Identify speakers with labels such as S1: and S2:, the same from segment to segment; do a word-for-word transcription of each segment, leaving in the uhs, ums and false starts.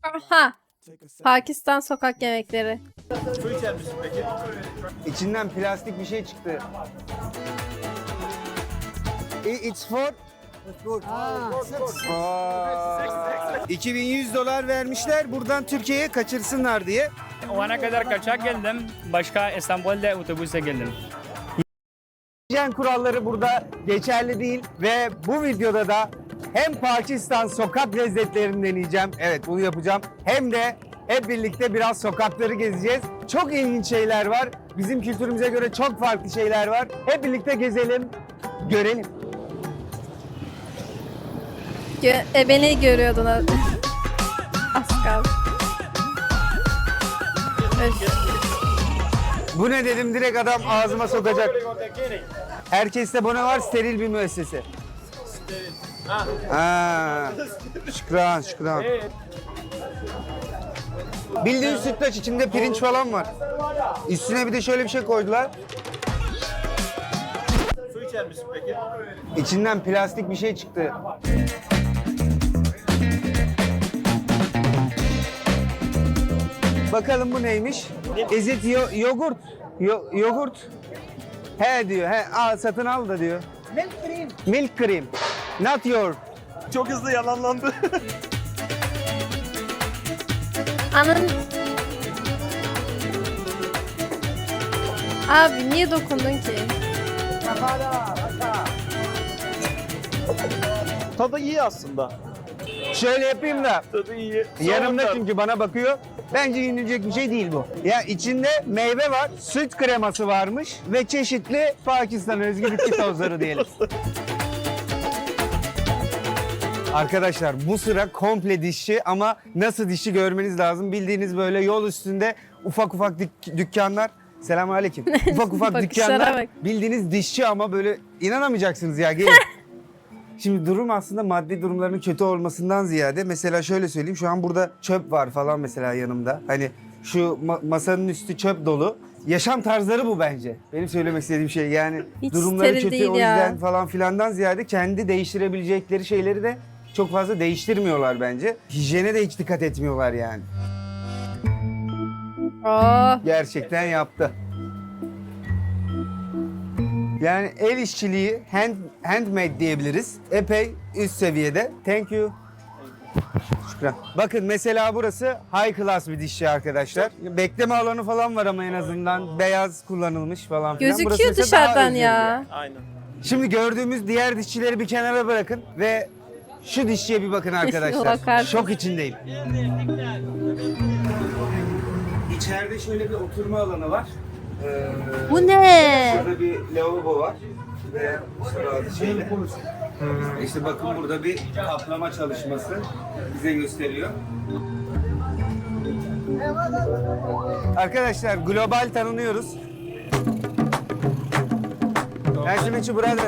S1: Aha. Pakistan sokak yemekleri.
S2: Su içer misin peki?
S3: İçinden plastik bir şey çıktı. I- It's for... Aa, iki bin yüz dolar vermişler buradan Türkiye'ye kaçırsınlar diye.
S4: Ona kadar kaçak geldim. Başka İstanbul'da otobüse geldim.
S3: Hijyen kuralları burada geçerli değil ve bu videoda da hem Pakistan sokak lezzetlerini deneyeceğim. Evet, bunu yapacağım. Hem de hep birlikte biraz sokakları gezeceğiz. Çok ilginç şeyler var. Bizim kültürümüze göre çok farklı şeyler var. Hep birlikte gezelim, görelim.
S1: Gö e, beni görüyordun. Az kaldı. Öf.
S3: Bu ne dedim, direkt adam ağzıma sokacak. Herkeste bu ne var? Steril bir müessese. Ha. Şükran, şükran. Bildiğin sütlaç, içinde pirinç falan var. Üstüne bir de şöyle bir şey koydular.
S2: Su içer misin peki?
S3: İçinden plastik bir şey çıktı. Bakalım bu neymiş? Is it yo yogurt? Yo yogurt? He diyor. He, al satın al da diyor. Milk cream. Milk cream. Not your.
S2: Çok hızlı yalanlandı.
S1: Anın... Abi niye dokundun ki?
S2: Tadı iyi aslında.
S3: Şöyle yapayım da.
S2: Tadı iyi.
S3: Yanımda
S2: Soğuklar.
S3: çünkü bana bakıyor. Bence yenilecek bir şey değil bu. Ya içinde meyve var, süt kreması varmış ve çeşitli Pakistan özgü bitki tozları diyelim. Arkadaşlar bu sıra komple dişçi ama nasıl dişçi görmeniz lazım. Bildiğiniz böyle yol üstünde ufak ufak dük- dükkanlar. Selamünaleyküm. Ufak ufak
S1: Bakışlara
S3: dükkanlar.
S1: bak.
S3: Bildiğiniz dişçi ama böyle inanamayacaksınız ya. Gelin. Şimdi durum aslında maddi durumlarının kötü olmasından ziyade mesela şöyle söyleyeyim, şu an burada çöp var falan mesela yanımda. Hani şu ma- masanın üstü çöp dolu. Yaşam tarzları bu bence. Benim söylemek istediğim şey yani
S1: Hiç
S3: durumları
S1: steril
S3: kötü
S1: değil
S3: o
S1: ya.
S3: yüzden falan filandan ziyade kendi değiştirebilecekleri şeyleri de çok fazla değiştirmiyorlar bence. Hijyene de hiç dikkat etmiyorlar yani.
S1: Oh.
S3: Gerçekten yaptı. Yani el işçiliği, hand, handmade diyebiliriz. Epey üst seviyede. Thank you. Şükran. Bakın mesela burası high class bir dişçi arkadaşlar. Bekleme alanı falan var ama en azından beyaz kullanılmış falan filan. Burası
S1: Gözüküyor
S3: mesela daha
S1: dışarıdan
S3: özgür
S1: ya.
S2: Aynen.
S3: Şimdi gördüğümüz diğer dişçileri bir kenara bırakın ve şu dişçiye bir bakın arkadaşlar.
S1: Bakarsın.
S3: Şok içindeyim. İçeride şöyle bir oturma alanı var. Ee,
S1: Bu ne?
S3: Şurada bir lavabo var. Ve bazı şeyler. İşte bakın burada bir kaplama çalışması bize gösteriyor. Arkadaşlar global tanınıyoruz. Nice to meet you brother.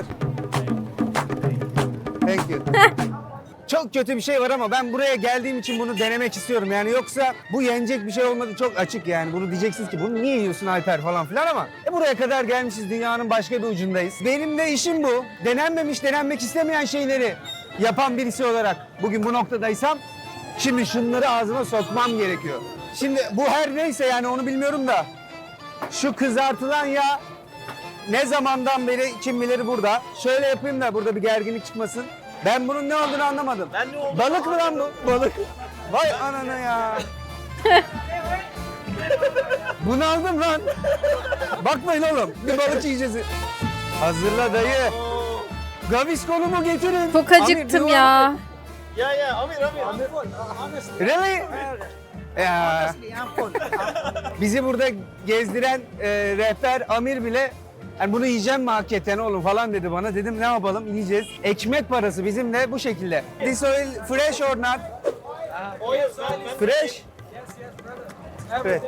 S3: Thank you. Çok kötü bir şey var ama ben buraya geldiğim için bunu denemek istiyorum. Yani yoksa bu yenecek bir şey olmadı, çok açık yani. Bunu diyeceksiniz ki bunu niye yiyorsun Alper falan filan ama e buraya kadar gelmişiz, dünyanın başka bir ucundayız. Benim de işim bu. Denenmemiş, denenmek istemeyen şeyleri yapan birisi olarak bugün bu noktadaysam şimdi şunları ağzıma sokmam gerekiyor. Şimdi bu her neyse yani onu bilmiyorum da şu kızartılan yağ ne zamandan beri kim bilir burada. Şöyle yapayım da burada bir gerginlik çıkmasın. Ben bunun ne olduğunu anlamadım.
S2: Ben ne olduğunu
S3: Balık mı lan bu? Balık. Vay anana ya. Bunu aldım lan. Bakmayın oğlum. Bir balık yiyeceğiz. Hazırla dayı. Gavisco'nu mu getirin?
S1: Çok
S3: Amir,
S1: acıktım
S3: dur
S1: ya.
S2: Ya ya Amir Amir.
S3: Really? Ya. Bizi burada gezdiren e, rehber Amir bile yani bunu yiyeceğim mi hakikaten oğlum falan dedi bana. Dedim ne yapalım, yiyeceğiz. Ekmek parası bizim de bu şekilde. This oil fresh or not? Fresh? Fresh.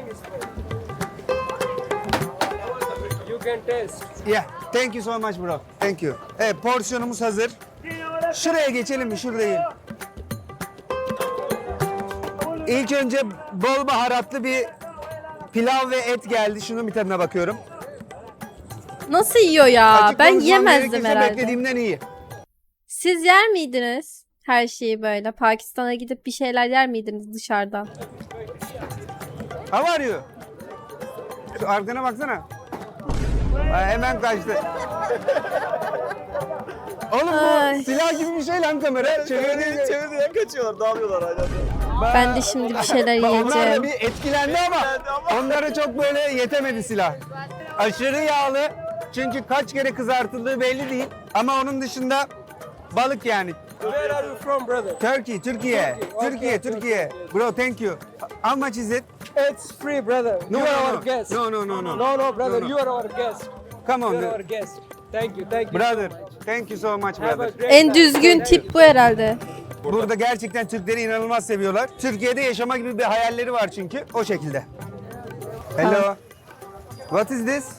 S5: You can taste.
S3: Yeah, thank you so much bro. Thank you. Evet, porsiyonumuz hazır. Şuraya geçelim mi? Şurada yiyelim. İlk önce bol baharatlı bir pilav ve et geldi. Şunun bir tadına bakıyorum.
S1: Nasıl yiyor ya?
S3: Açık
S1: Ben
S3: konuşmam
S1: yemezdim
S3: gerekirse
S1: herhalde.
S3: beklediğimden iyi.
S1: Siz yer miydiniz? Her şeyi böyle. Pakistan'a gidip bir şeyler yer miydiniz dışarıdan?
S3: How are you? Şu arkana baksana. Aa, hemen kaçtı. Oğlum
S1: Ay.
S3: bu silah gibi bir şey lan kamera. Çevirdiğin
S2: Çevirdiğinden kaçıyorlar, dağılıyorlar hala.
S1: Ben de şimdi bir şeyler
S3: Bak, onlar da
S1: yiyeceğim.
S3: bir etkilendi ama
S2: Etkilendi ama.
S3: onlara çok böyle yetemedi silah. Aşırı yağlı. Çünkü kaç kere kızartıldığı belli değil. Ama onun dışında balık yani.
S5: Where are you from, brother?
S3: Turkey, Türkiye.
S5: Okay,
S3: Türkiye,
S5: Turkey.
S3: Türkiye. Bro, thank you. How much is it?
S5: It's free, brother.
S3: No,
S5: you are
S3: no,
S5: our
S3: no.
S5: guest.
S3: No, no, no, no.
S5: No, no, brother.
S3: No, no.
S5: You are our guest.
S3: Come
S5: You
S3: on,
S5: are
S3: dude.
S5: our guest. Thank you, thank you.
S3: Brother.
S5: so much.
S3: Thank you so much,
S5: Have a
S3: brother.
S5: great
S1: En
S5: time.
S1: düzgün
S5: Thank you.
S1: tip bu herhalde.
S3: Burada gerçekten Türkleri inanılmaz seviyorlar. Türkiye'de yaşama gibi bir hayalleri var çünkü. O şekilde. Hello. What is this?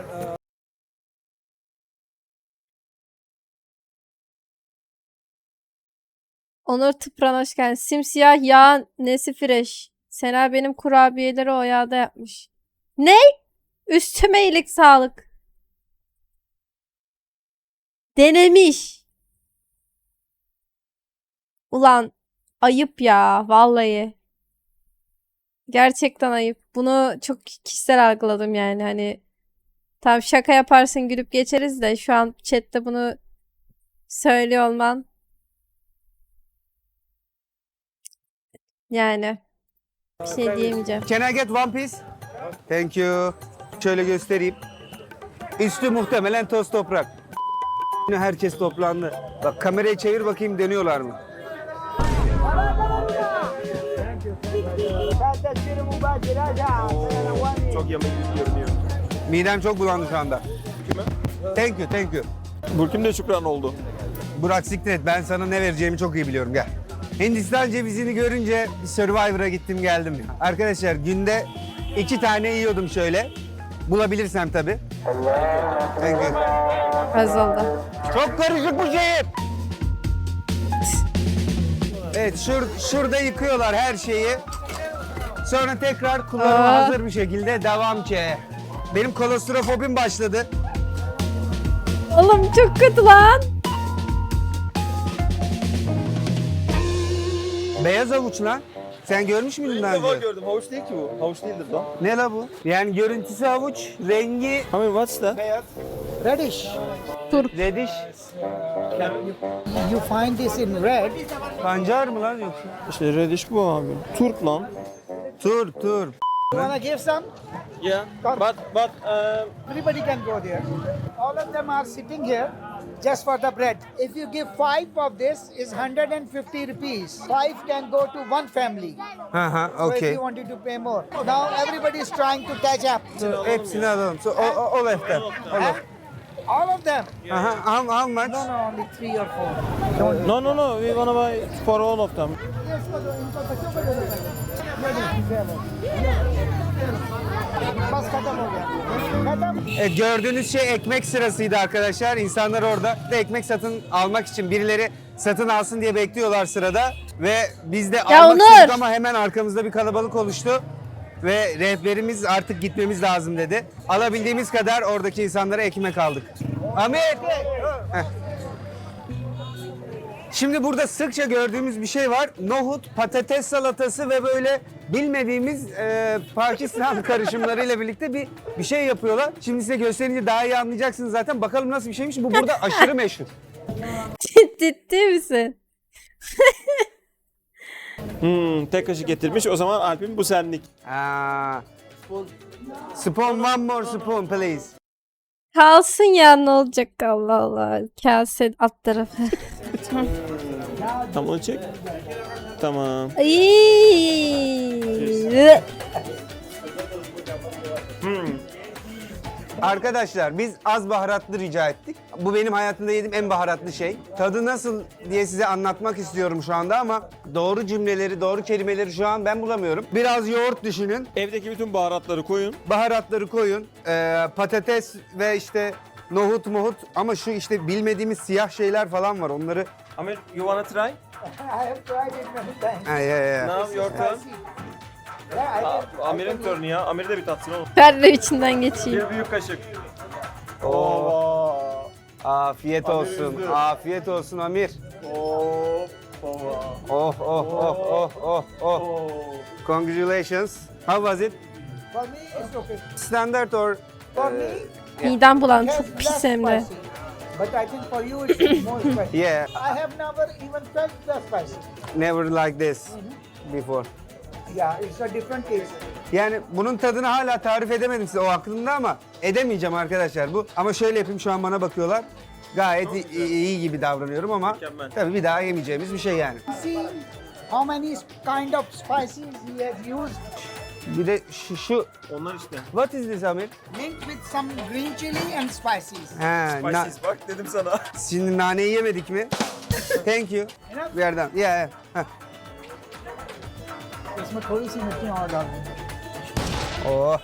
S1: Onur Tıpran hoş geldin. Simsiyah yağ nesi fresh. Sena benim kurabiyeleri o yağda yapmış. Ne? Üstüme iyilik sağlık. Denemiş. Ulan ayıp ya vallahi. Gerçekten ayıp. Bunu çok kişisel algıladım yani hani. Tamam şaka yaparsın gülüp geçeriz de şu an chatte bunu söylüyor olman. Yani bir şey diyemeyeceğim.
S3: Can I get one piece? Thank you. Şöyle göstereyim. Üstü muhtemelen toz toprak. Herkes toplandı. Bak kamerayı çevir bakayım dönüyorlar mı?
S2: Çok yemek görünüyor.
S3: Midem çok bulandı şu anda. Thank you, thank you.
S2: Burkim de şükran oldu.
S3: Burak siktir et. Ben sana ne vereceğimi çok iyi biliyorum. Gel. Hindistan cevizini görünce bir Survivor'a gittim geldim. Arkadaşlar günde iki tane yiyordum şöyle. Bulabilirsem tabii. Thank you.
S1: Az oldu.
S3: Çok karışık bu şehir. Evet şur, şurada yıkıyorlar her şeyi. Sonra tekrar kullanıma
S1: Aa.
S3: hazır bir şekilde devam ki. Benim kolostrofobim başladı.
S1: Oğlum çok kötü lan.
S3: Beyaz avuç lan. Sen görmüş müydün daha
S2: İlk defa
S3: önce?
S2: gördüm. Havuç değil ki bu. Havuç değildir lan.
S3: Ne la bu? Yani görüntüsü havuç, rengi
S2: I mean what's that?
S3: beyaz.
S6: Reddish.
S3: Rediş.
S6: You find this in red.
S3: Pancar mı lan yoksa?
S2: İşte reddish bu abi. Turp lan.
S3: Tur, tur.
S6: You wanna give some?
S2: Yeah. But but um,
S6: Everybody can go there. All of them are sitting here just for the bread. If you give five of this, is one hundred fifty rupees. Five can go to one family.
S3: Hı hı,
S6: So if
S3: okey.
S6: you wanted to pay more. Now everybody is trying to catch up.
S3: So, hepsini alalım. So, all, all of them. All of.
S6: All of them.
S3: Aha, how, how much?
S6: No, no, only three or four. Don't.
S2: no no no. We wanna buy for all of them.
S6: बस खत्म हो गया खत्म
S3: Evet, gördüğünüz şey ekmek sırasıydı arkadaşlar. İnsanlar orada da ekmek satın almak için birileri satın alsın diye bekliyorlar sırada. Ve biz de almak
S1: Onur!
S3: istedik ama hemen arkamızda bir kalabalık oluştu. Ve rehberimiz artık gitmemiz lazım dedi. Alabildiğimiz kadar oradaki insanlara ekmek aldık. Amir! Heh. Şimdi burada sıkça gördüğümüz bir şey var. Nohut, patates salatası ve böyle bilmediğimiz e, Pakistan karışımlarıyla birlikte bir bir şey yapıyorlar. Şimdi size gösterince daha iyi anlayacaksınız zaten. Bakalım nasıl bir şeymiş. Bu burada aşırı meşhur.
S1: Ciddi misin?
S2: Hmm, tek kaşık getirmiş. O zaman Alp'in bu senlik.
S3: Aa. Spoon, one more spoon please.
S1: Kalsın ya ne olacak Allah Allah. Kase alt tarafı.
S2: Tam onu çek. Tamam.
S1: Ayy.
S3: Arkadaşlar biz az baharatlı rica ettik. Bu benim hayatımda yediğim en baharatlı şey. Tadı nasıl diye size anlatmak istiyorum şu anda ama doğru cümleleri, doğru kelimeleri şu an ben bulamıyorum. Biraz yoğurt düşünün.
S2: Evdeki bütün baharatları koyun.
S3: Baharatları koyun. Ee, patates ve işte nohut muhut ama şu işte bilmediğimiz siyah şeyler falan var. Onları...
S2: Amir, you wanna try?
S6: I have tried it many times.
S3: Ha, ya, ya, ya.
S2: Now your turn.
S6: Yeah, I
S2: Aa,
S6: can,
S2: Amir'in turnu ya. Amir de bir tatsın oğlum.
S1: Ben de içinden geçeyim.
S2: Bir büyük kaşık.
S3: Oo. Afiyet
S2: Amir
S3: olsun.
S2: üzdü.
S3: Afiyet olsun Amir.
S2: Oo.
S3: Oh oh oh oh oh oh. Congratulations. How was it?
S6: For me, it's okay.
S3: Standard or
S6: For me,
S1: Midem bulandı.
S6: it has
S1: Çok pis
S6: less
S1: hem de.
S6: spicy. But I think for you, it's more spicy.
S3: yeah,
S6: I have never even felt the spicy.
S3: never like this before.
S6: Yeah, it's a different taste.
S3: Yani bunun tadını hala tarif edemedim size o aklımda ama edemeyeceğim arkadaşlar bu. Ama şöyle yapayım, şu an bana bakıyorlar. Gayet iyi, iyi gibi davranıyorum ama
S2: Mükemmel.
S3: tabii bir daha yemeyeceğimiz bir şey yani.
S6: See how many kind of spices he has used.
S3: Bir de şu, şu
S2: Onlar işte.
S3: what is this Amir?
S6: Linked with some green chili and spices.
S3: Ha, na-
S2: Spices bak dedim sana.
S3: şimdi naneyi yemedik mi? Thank you.
S6: Enough?
S3: Bir yerden. Yeah, yeah. Heh.
S6: इसमें थोड़ी सी मिर्ची और डाल दें।
S3: Oh.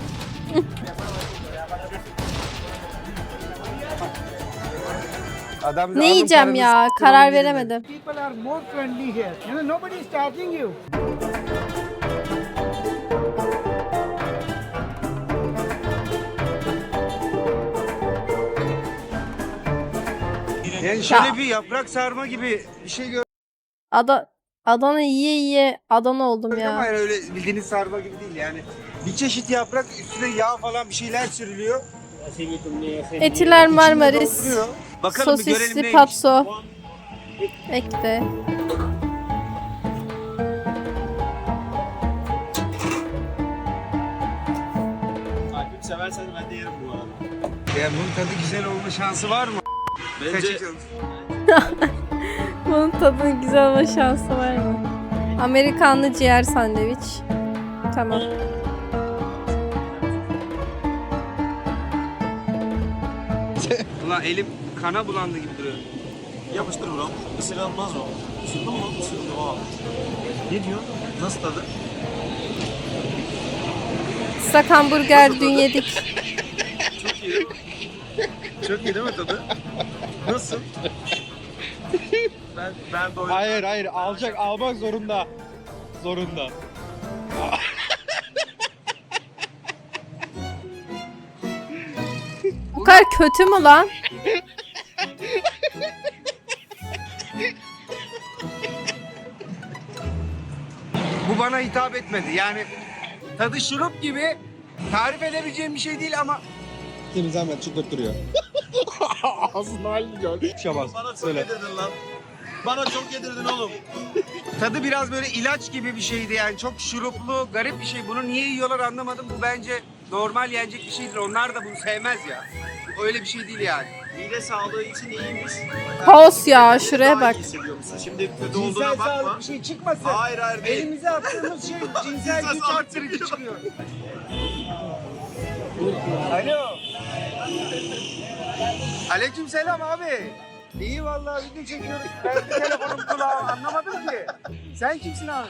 S3: Adam bize
S1: Ne
S3: alın
S1: yiyeceğim
S3: paranızı,
S1: ya?
S3: sıkılın
S1: Karar
S3: gidin dedi.
S1: veremedim.
S6: People are more friendly here. You know, nobody is charging you.
S3: Yani şöyle bir yaprak sarma gibi bir şey gördüm
S1: Ada Adana yiye yiye Adana oldum
S3: ama
S1: ya.
S3: yani öyle bildiğiniz sarma gibi değil yani. Bir çeşit yaprak, üstüne yağ falan bir şeyler sürülüyor.
S1: Etiler
S3: İçinde
S1: Marmaris.
S3: dolduruyor. Bakalım bir görelim
S1: Sosisli
S3: neymiş.
S1: patso. Bekle.
S2: Alp'im seversen ben de yerim bu arada.
S3: Yani bunun tadı güzel olma şansı var mı?
S2: Bence
S3: Seçin.
S1: Bunun tadının güzel olma şansı var mı? Amerikanlı ciğer sandviç. Tamam.
S3: Ulan elim kana bulandı gibi duruyor.
S2: yapıştır bro. Isırılmaz o. Isırdın mı? Isırdım o. Ne diyor? Nasıl tadı?
S1: Islak hamburger dün yedik.
S2: Çok iyi. Çok iyi değil mi tadı? Nasıl? Ben ben doydum.
S7: Hayır hayır alacak almak zorunda. Zorunda.
S1: Bu kadar kötü mü lan?
S3: Bu bana hitap etmedi. Yani tadı şurup gibi, tarif edebileceğim bir şey değil ama
S7: Senin zahmet çıkıp duruyor. Ağzının halini gör. Şabaz.
S2: Bana çok
S7: Söyle.
S2: yedirdin lan. Bana çok yedirdin oğlum.
S3: tadı biraz böyle ilaç gibi bir şeydi yani. Çok şuruplu, garip bir şey. Bunu niye yiyorlar anlamadım. Bu bence normal yenecek bir şeydir. Onlar da bunu sevmez ya. Öyle bir şey değil yani.
S2: Mide sağlığı için iyiymiş.
S1: Kaos ya, şuraya
S2: Daha
S1: bak.
S2: iyi hissediyor musun? Şimdi kötü
S3: Cinsel
S2: olduğuna bakma.
S3: sağlık bir şey çıkmasın.
S2: Hayır hayır değil.
S3: Elimize attığımız şey cinsel güç
S2: sağlık
S3: arttırıcı
S2: çıkıyor.
S3: çıkıyor. Alo. Aleykümselam abi. İyi vallahi video çekiyoruz. Ben de telefonum kulağım anlamadım ki. Sen kimsin abi?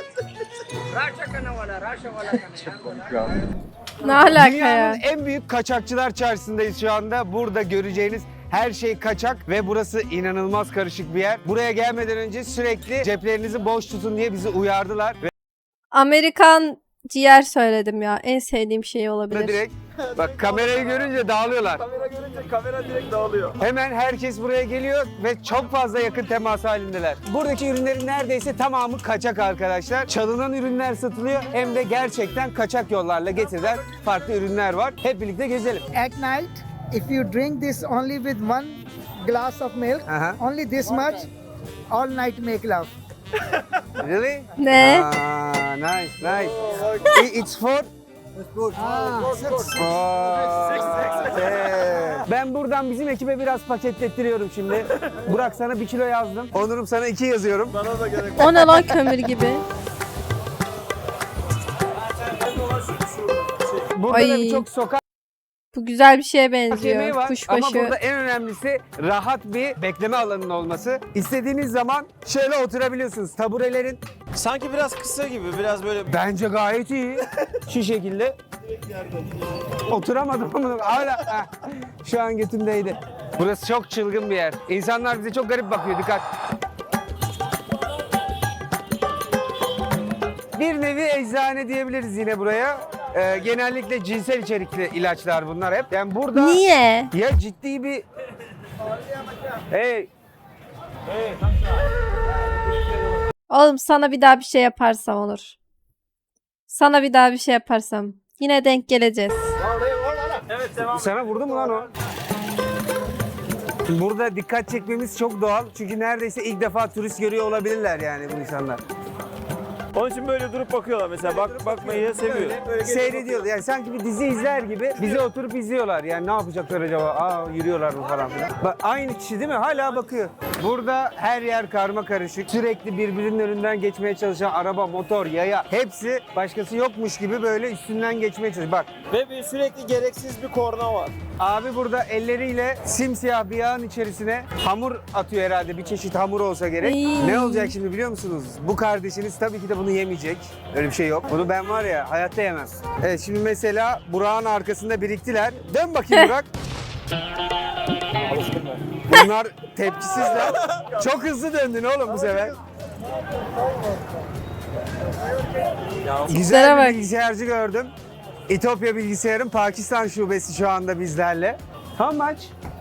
S1: Ne alaka
S3: Dünyanın
S1: ya?
S3: en büyük kaçakçılar çarşısındayız şu anda. Burada göreceğiniz her şey kaçak ve burası inanılmaz karışık bir yer. Buraya gelmeden önce sürekli ceplerinizi boş tutun diye bizi uyardılar. Ve
S1: Amerikan ciğer söyledim ya. En sevdiğim şey olabilir.
S3: direkt bak kamerayı görünce dağılıyorlar.
S2: Kamera görünce kamera direkt dağılıyor.
S3: Hemen herkes buraya geliyor ve çok fazla yakın temas halindeler. Buradaki ürünlerin neredeyse tamamı kaçak arkadaşlar. Çalınan ürünler satılıyor hem de gerçekten kaçak yollarla getirilen farklı ürünler var. Hep birlikte gezelim.
S6: At night, if you drink this only with one glass of milk,
S3: Aha.
S6: only this much, all night make love.
S3: Really?
S1: Ne?
S3: Ah, nice, nice. I- It's for
S6: Ah, six.
S3: Aa, yeah. Ben buradan bizim ekibe biraz paketlettiriyorum şimdi. Burak sana bir kilo yazdım. Onur'um sana iki yazıyorum.
S2: Bana da gerek
S1: O ne lan kömür gibi?
S3: Burada
S1: Ay.
S3: da birçok sokak
S1: Bu güzel bir şeye
S3: yemeği
S1: benziyor.
S3: var. Ama
S1: Kuşbaşı.
S3: burada en önemlisi rahat bir bekleme alanının olması. İstediğiniz zaman şöyle oturabiliyorsunuz. Taburelerin
S2: Sanki biraz kısa gibi, biraz böyle...
S3: bence gayet iyi. Şu şekilde. Oturamadım ama hala. Heh. Şu an götümdeydi. Burası çok çılgın bir yer. İnsanlar bize çok garip bakıyor. Dikkat. Bir nevi eczane diyebiliriz yine buraya. Ee, genellikle cinsel içerikli ilaçlar bunlar hep. Yani burada
S1: Niye?
S3: ya ciddi bir... Hey.
S1: Oğlum sana bir daha bir şey yaparsam olur. Sana bir daha bir şey yaparsam. Yine denk geleceğiz.
S2: Evet devam.
S3: Sana vurdu mu lan o? Burada dikkat çekmemiz çok doğal. Çünkü neredeyse ilk defa turist görüyor olabilirler yani bu insanlar.
S2: Onun için böyle durup bakıyorlar mesela. Bak bakmayı seviyor.
S3: Seyrediyorlar. Yani sanki bir dizi izler gibi bizi oturup izliyorlar. Yani ne yapacaklar acaba? Aa yürüyorlar mı falan filan. Bak, aynı kişi değil mi? Hala bakıyor. Burada her yer karma karışık. Sürekli birbirinin önünden geçmeye çalışan araba, motor, yaya hepsi başkası yokmuş gibi böyle üstünden geçmeye çalışıyor. Bak
S2: Ve bir sürekli gereksiz bir korna var.
S3: abi burada elleriyle simsiyah bir yağın içerisine hamur atıyor herhalde. Bir çeşit hamur olsa gerek.
S1: Ay.
S3: Ne olacak şimdi biliyor musunuz? Bu kardeşiniz tabii ki de bunu yemeyecek. Öyle bir şey yok. Bunu ben var ya hayatta yemem. Evet şimdi mesela Burak'ın arkasında biriktiler. Dön bakayım Burak. Bunlar tepkisizler. Çok hızlı döndün oğlum bu sefer. Güzel
S1: Şuna
S3: bir
S1: bak.
S3: bilgisayarcı gördüm. İtopya Bilgisayar'ın Pakistan şubesi şu anda bizlerle. How much?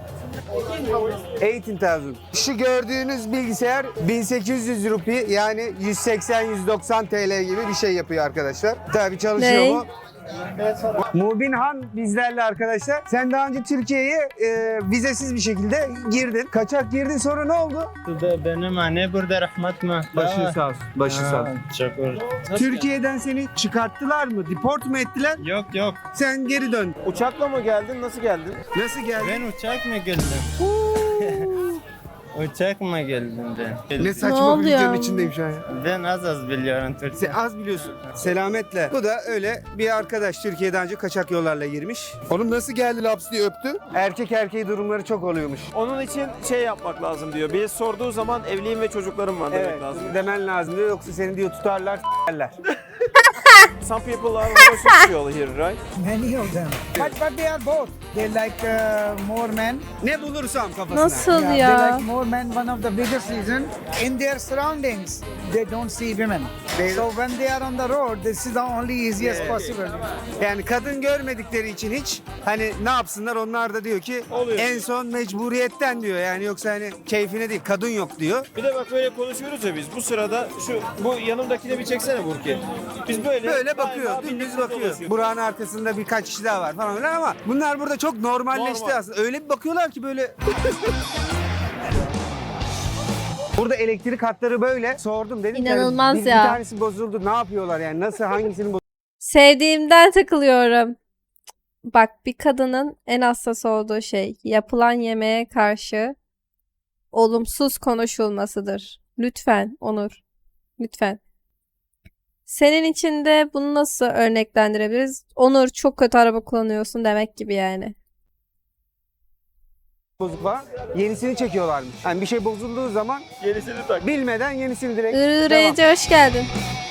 S3: on bin. Şu gördüğünüz bilgisayar bin sekiz yüz rupi yani yüz seksen yüz doksan T L gibi bir şey yapıyor arkadaşlar. Tabii çalışıyor
S1: Ne?
S3: mu? Mubin Han bizlerle arkadaşlar. Sen daha önce Türkiye'ye e, vizesiz bir şekilde girdin. Kaçak girdin sonra ne oldu?
S8: Burada benim anne burada rahmet mi?
S3: Başın sağ olsun. Başın sağ olsun.
S8: Şükür.
S3: Türkiye'den seni çıkarttılar mı? Deport mu ettiler?
S8: Yok yok.
S3: Sen geri dön.
S2: Uçakla mı geldin? Nasıl geldin?
S3: Nasıl geldin?
S8: Ben uçak mı geldim? Uçak mı geldim ben?
S3: Ne saçma
S1: Ne
S3: bir
S1: oluyor?
S3: videonun içindeyim şu an ya.
S8: Ben az az biliyorum Türkçe.
S3: Sen az biliyorsun. Selametle. Bu da öyle bir arkadaş Türkiye'den önce kaçak yollarla girmiş.
S7: Oğlum nasıl geldi laps diye öptü?
S3: Erkek erkeği durumları çok oluyormuş.
S2: Onun için şey yapmak lazım diyor. Bir sorduğu zaman evliyim ve çocuklarım var demek
S3: Evet,
S2: lazım.
S3: demen lazım diyor. Yoksa seni diyor tutarlar, s**erler.
S2: Some people are homosexual here, right?
S6: Many of them. But but they are both. They like uh, more men.
S3: Ne bulursam kafasına.
S1: Nasıl
S6: Yeah,
S1: ya?
S6: They like more men. One of the biggest reason in their surroundings they don't see women.
S3: They-
S6: so when they are on the road, this is the only easiest possible.
S3: Yani kadın görmedikleri için hiç hani ne yapsınlar onlar da diyor ki
S2: Oluyor.
S3: en son mecburiyetten diyor. Yani yoksa hani keyfine değil kadın yok diyor.
S2: Bir de bak böyle konuşuyoruz ya biz. Bu sırada şu bu yanımdakine bir çeksene Burki. Biz böyle
S3: Böyle bakıyor,
S2: galiba
S3: dümdüz
S2: birlikte
S3: bakıyor.
S2: dolaşıyoruz.
S3: Burak'ın arkasında birkaç kişi daha var falan filan ama bunlar burada çok normalleşti
S2: Normal.
S3: aslında. Öyle bir bakıyorlar ki böyle... Burada elektrik hatları böyle. Sordum dedim ki hani
S1: İnanılmaz
S3: bir,
S1: ya.
S3: bir tanesi bozuldu. Ne yapıyorlar yani? Nasıl hangisinin bozuldu?
S1: Sevdiğimden takılıyorum. Bak bir kadının en hassas olduğu şey yapılan yemeğe karşı olumsuz konuşulmasıdır. Lütfen Onur. Lütfen. Senin için de bunu nasıl örneklendirebiliriz? Onur çok kötü araba kullanıyorsun demek gibi yani.
S3: Bozuk var. Yenisini çekiyorlarmış. Yani bir şey bozulduğu zaman
S2: Gerisini tak.
S3: bilmeden yenisini direkt devam.
S1: Irıcı hoş geldin.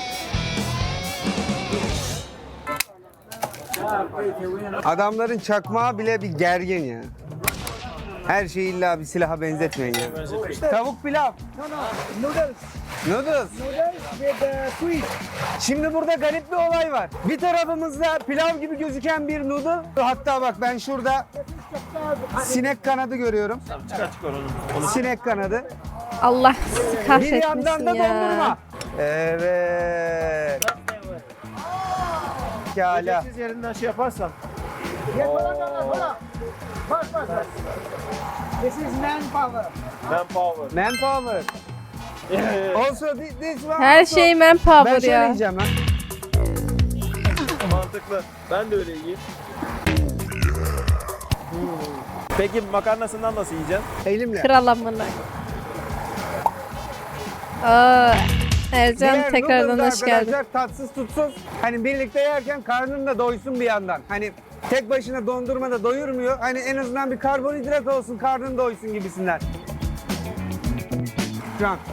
S3: Adamların çakmağı bile bir gergin ya. Her şeyi illa bir silaha benzetmeyin ya. Tavuk pilav.
S6: No, no, noodles.
S3: Noodles.
S6: Noodles with uh, sweet.
S3: Şimdi burada garip bir olay var. Bir tarafımızda pilav gibi gözüken bir noodle. Hatta bak ben şurada sinek kanadı görüyorum.
S2: Çıkar çıkar onu.
S3: Sinek kanadı.
S1: Allah sizi
S3: Bir
S1: kahretmesin
S3: yandan da
S1: ya.
S3: dondurma. Evet. Pekala.
S2: Siz yerinden şey yaparsan.
S6: Yeah, hold on, hold on, hold on. Bas, bas, bas. This is manpower.
S2: Manpower.
S3: Manpower. Also thi- this one
S1: Her
S3: also-
S1: şey
S3: Ben
S1: manpower
S3: şöyle
S1: ya.
S3: yiyeceğim lan.
S2: Mantıklı. Ben de öyle yiyeyim. Hmm. Peki makarnasından nasıl yiyeceksin?
S3: Elimle.
S1: Kral amına. Aa, Ercan
S3: Diğer
S1: tekrardan
S3: noodles
S1: hoş geldin.
S3: arkadaşlar tatsız tutsuz. Hani birlikte yerken karnın da doysun bir yandan. Hani tek başına dondurma da doyurmuyor. Hani en azından bir karbonhidrat olsun, karnın doysun gibisinden. Şu an.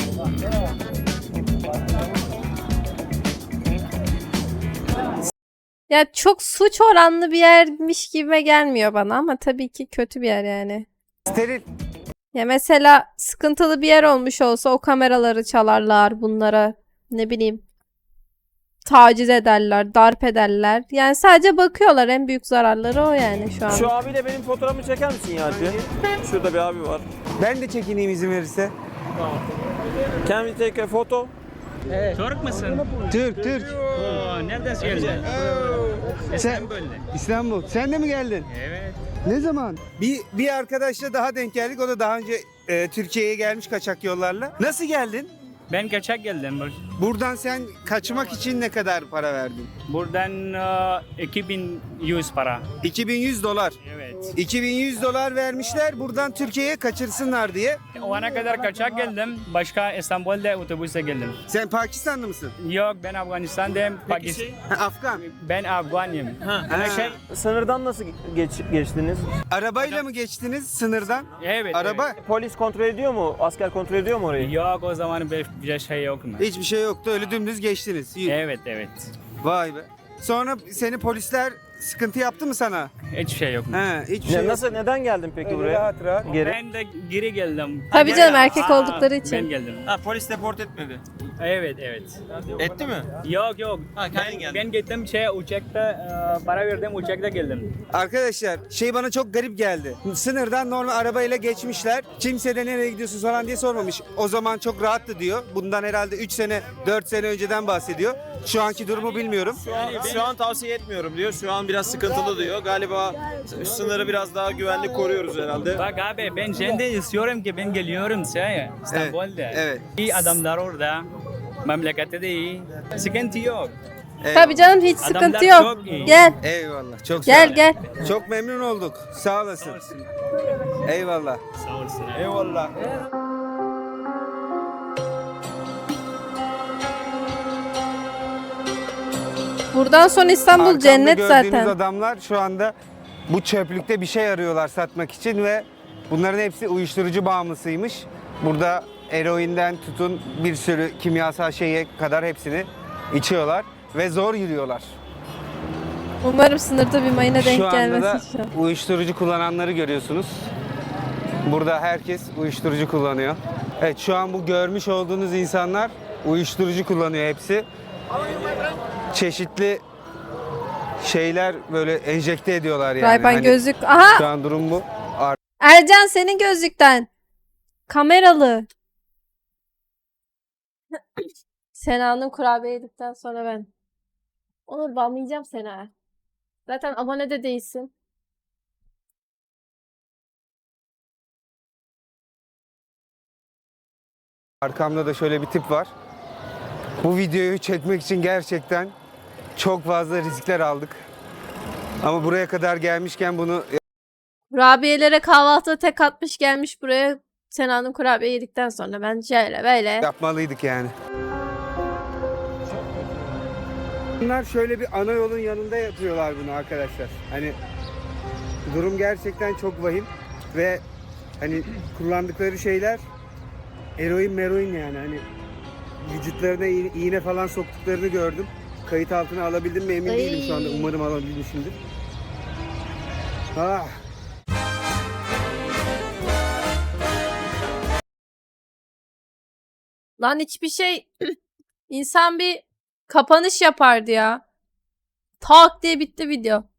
S1: Ya çok suç oranlı bir yermiş gibime gelmiyor bana ama tabii ki kötü bir yer yani.
S3: Steril.
S1: Ya mesela sıkıntılı bir yer olmuş olsa o kameraları çalarlar bunlara, ne bileyim, taciz ederler, darp ederler. Yani sadece bakıyorlar, en büyük zararları o yani şu an.
S2: Şu abiyle benim fotoğrafımı çeker misin ya Alpi? Şurada bir abi var.
S3: Ben de çekineyim izin verirse.
S2: Can we take a photo?
S4: Türk müsün?
S3: Türk, Türk.
S4: Oo, nereden geldin? İstanbul'da.
S3: İstanbul. Sen de mi geldin?
S4: Evet.
S3: Ne zaman? Bir bir arkadaşla daha denk geldik. O da daha önce e, Türkiye'ye gelmiş kaçak yollarla. Nasıl geldin?
S4: Ben kaçak geldim.
S3: Buradan sen kaçmak için ne kadar para verdin?
S4: Buradan e, iki bin yüz para.
S3: iki bin yüz dolar.
S4: Evet.
S3: iki bin yüz dolar vermişler buradan Türkiye'ye kaçırsınlar diye.
S4: O ana kadar kaçak geldim. Başka İstanbul'da otobüse geldim.
S3: Sen Pakistanlı mısın?
S4: Yok, ben Afganistan'dayım. Pakistan.
S3: Ha, Afgan.
S4: Ben Afganıyım.
S3: Ha.
S4: Şey,
S9: Sınırdan nasıl geç, geçtiniz?
S3: Arabayla mı geçtiniz sınırdan?
S4: evet.
S3: Araba?
S9: Polis kontrol ediyor mu? Asker kontrol ediyor mu orayı?
S4: Evet. Yok, o zaman bir, bir şey yok mu?
S3: Hiçbir şey yoktu öyle dümdüz geçtiniz. İyi.
S4: Evet, evet.
S3: Vay be. Sonra seni polisler sıkıntı yaptı mı sana?
S4: Hiçbir şey yok mu?
S3: He, hiçbir
S9: Ne-
S3: şey yok.
S9: nasıl neden geldin peki buraya?
S3: Rahat rahat.
S9: Geri.
S4: Ben de geri geldim.
S1: Tabii canım, erkek
S4: Aa,
S1: oldukları için.
S4: Ben geldim.
S8: Ha polis deport etmedi.
S4: Evet, evet.
S8: Etti mi?
S4: Yok, yok.
S8: Ha, kendin
S4: ben,
S8: geldin.
S4: ben gittim şey uçakta e, para verdim, uçakta geldim.
S3: Arkadaşlar şey bana çok garip geldi. Sınırdan normal arabayla geçmişler. Kimse de nereye gidiyorsun falan diye sormamış. O zaman çok rahattı diyor. Bundan herhalde üç sene dört sene önceden bahsediyor. Şu anki durumu bilmiyorum.
S7: Şu an, şu an tavsiye etmiyorum diyor. Şu an biraz sıkıntılı diyor. Galiba sınırı biraz daha güvenli koruyoruz herhalde.
S4: Bak abi, ben şimdi istiyorum ki ben geliyorum şey İstanbul'da.
S3: evet.
S4: İyi adamlar orada. Memlekette de iyi. Sıkıntı yok.
S1: Tabii canım, hiç
S4: Adamlar
S1: sıkıntı yok.
S4: çok iyi.
S1: Gel.
S3: Eyvallah. Çok sağ
S1: Gel
S3: ol.
S1: gel.
S3: Çok memnun olduk. Sağ olasın. Eyvallah.
S4: Sağ olasın.
S3: Eyvallah.
S1: Buradan sonra İstanbul
S3: Arkamda
S1: cennet
S3: gördüğünüz
S1: zaten.
S3: adamlar şu anda bu çöplükte bir şey arıyorlar satmak için ve bunların hepsi uyuşturucu bağımlısıymış. Burada eroinden tutun bir sürü kimyasal şeye kadar hepsini içiyorlar ve zor yürüyorlar.
S1: Umarım sınırda bir mayına
S3: Şu
S1: denk
S3: anda da
S1: gelmez inşallah.
S3: uyuşturucu kullananları görüyorsunuz. Burada herkes uyuşturucu kullanıyor. Evet, şu an bu görmüş olduğunuz insanlar uyuşturucu kullanıyor hepsi. Çeşitli şeyler böyle enjekte ediyorlar yani.
S1: Ray-Ban
S3: Hani
S1: gözlük. Aha!
S3: Şu an durum bu. Ar-
S1: Ercan, senin gözlükten. Kameralı. Sena'nın kurabiye yedikten sonra ben. Onu banlayacağım Sena. Zaten abone de değilsin.
S3: Arkamda da şöyle bir tip var. Bu videoyu çekmek için gerçekten çok fazla riskler aldık. Ama buraya kadar gelmişken bunu
S1: Kurabiyelere kahvaltıda tek atmış gelmiş buraya. Sena'nın kurabiye yedikten sonra ben şöyle böyle.
S3: yapmalıydık yani. Bunlar şöyle bir ana yolun yanında yapıyorlar bunu arkadaşlar. Hani durum gerçekten çok vahim ve hani kullandıkları şeyler eroin meroin yani hani vücutlarına iğne, iğne falan soktuklarını gördüm. Kayıt altına alabildim mi emin
S1: Ay.
S3: değilim şu anda. Umarım alabilmişimdir. Ah.
S1: Lan hiçbir şey insan bir kapanış yapardı ya. Tak diye bitti video.